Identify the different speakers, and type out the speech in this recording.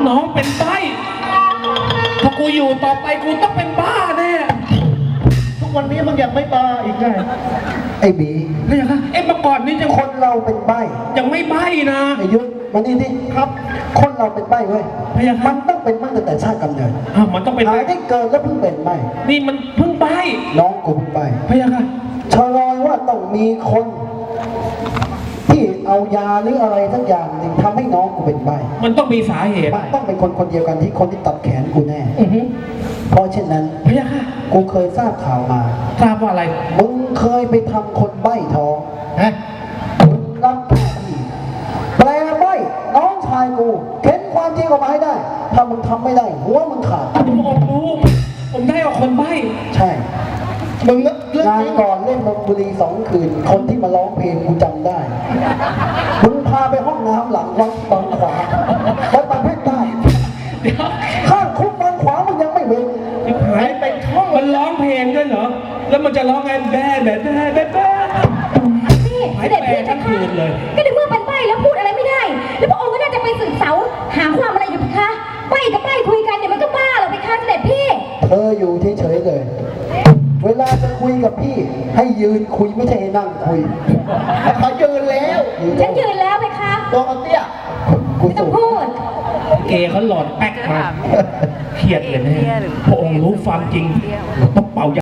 Speaker 1: น้องเป็นใบ้ถ้ากูอยู่ต่อไปกูต้องเป็นบ้าแน่
Speaker 2: ทุกวันนี้มึงยังไม่บ้าอีกไง
Speaker 3: ไอ้บี
Speaker 1: ไม่ใช่ครับเมื่อก่อนนี่ยัง
Speaker 3: คนเราเป็นใบ้
Speaker 1: ยังไม่ใบ้นะ
Speaker 3: ไอ้ยุทธมานี่ที่ครับ คนเราเป็นใบ้เว้ยมันต้องเป็นมาตั้งแต่ชาติกำเนิด
Speaker 1: มันต้องเป็น
Speaker 3: หายได้เกิดแล้วเพิ่งเป็นใบ้
Speaker 1: นี่มันเพิ่งใบ้
Speaker 3: น้องกูเพิ่งใบ้
Speaker 1: พะยะค่ะ
Speaker 3: ชะลอยว่าต้องมีคนที่เอายาหรืออะไรสักอย่างหนึ่งทำให้น้องกูเป็นใบ้
Speaker 1: มันต้องมีสาเหตุ
Speaker 3: มันต้องเป็นคนเดียวกันที่คนที่ตัดแขนกูแน่เพราะเช่นนั้น
Speaker 1: พะยะค่ะ
Speaker 3: กูเคยทราบข่าวมา
Speaker 1: ทราบว่าอะไร
Speaker 3: มึงเคยไปทำคนใบ้ท้องฮะมึงรับหน้าที่แปลใบ้น้องชายกูเข็นความจริงออกมาให้ได้ถ้ามึงทำไม่ได้หัวมึงขาด
Speaker 1: ผมรู้ผมได้เอาคนใบ้
Speaker 3: ใช่มึงงานก่อนเล่นนนบุรี2 คืนคนที่มาร้องเพลงกูจำได้มึงพาไปห้องน้ำหลังวัดบางขวางวัดบางเพชรใต้ข้างคุกบางขวางมึงยังไม่เว้น
Speaker 1: หายไปท่องมันร้องเพลงด้วยเหรอแล้วมันจะร้องไงแบ๊
Speaker 4: นี่เด็กพี่ทั้งคืนเลยก็ในเมื่อเป็นใบ้แล้วพูดอะไรไม่ได้แล้วพระองค์ก็น่าจะไปสืบเสาหาความอะไรอยู่คะใบ้กับใบ้คุยกันเนี่ยมันก็บ้าหรอไปคะเด็กพี่
Speaker 3: เธออยู่เฉยๆเลยเวลาจะคุยกับพี่ให้ยืนคุยไม่ใช่ให้นั่งคุย
Speaker 2: เขายืนแล้ว
Speaker 4: ฉันยืนแล้วไหมคะ
Speaker 2: ตัวเตี้ย
Speaker 4: กูจะพูด
Speaker 1: เกย์เขาหลอดแป๊กมาเครียดเลยนะพระองค์รู้ความจริงต้องเป่า